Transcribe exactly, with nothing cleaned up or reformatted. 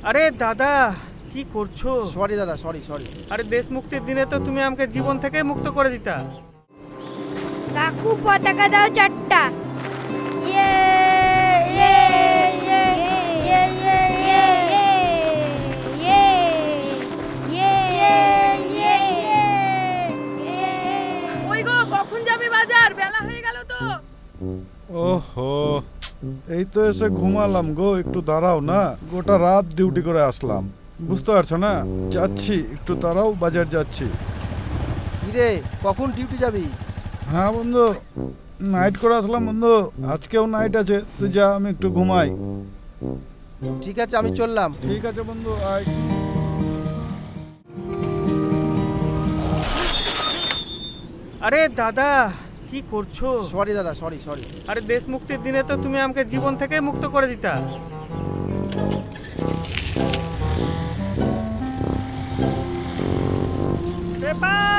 আরে দাদা, কি করছো? সরি দাদা, সরি সরি। আরে দেশ মুক্তির দিনে তো তুমি আমাকে জীবন থেকে মুক্ত করে দিতা। কাকু পতাকা দাও চারটা। ইয়ে ইয়ে ইয়ে ইয়ে ইয়ে ইয়ে ইয়ে ইয়ে ইয়ে। ওই গো, কখন যাবে বাজার? বেলা হয়ে গেল তো। ওহো, এই তো এসে ঘুমালাম গো। একটু দাঁড়াও না, গোটা রাত ডিউটি করে আসলাম, বুঝতে পারছো না? যাচ্ছি, একটু দাঁড়াও, বাজার যাচ্ছি। কিরে, কখন ডিউটি যাবি? হ্যাঁ বন্ধু, নাইট করে আসলাম বন্ধু, আজকেও নাইট আছে। তুই যা, আমি একটু ঘুমাই। ঠিক আছে, আমি চললাম। ঠিক আছে বন্ধু, আয়। আরে দাদা, কি করছো? সরি দাদা, সরি সরি। আরে দেশ মুক্তির দিনে তো তুমি আমাকে জীবন থেকে মুক্ত করে দিতা। পেপার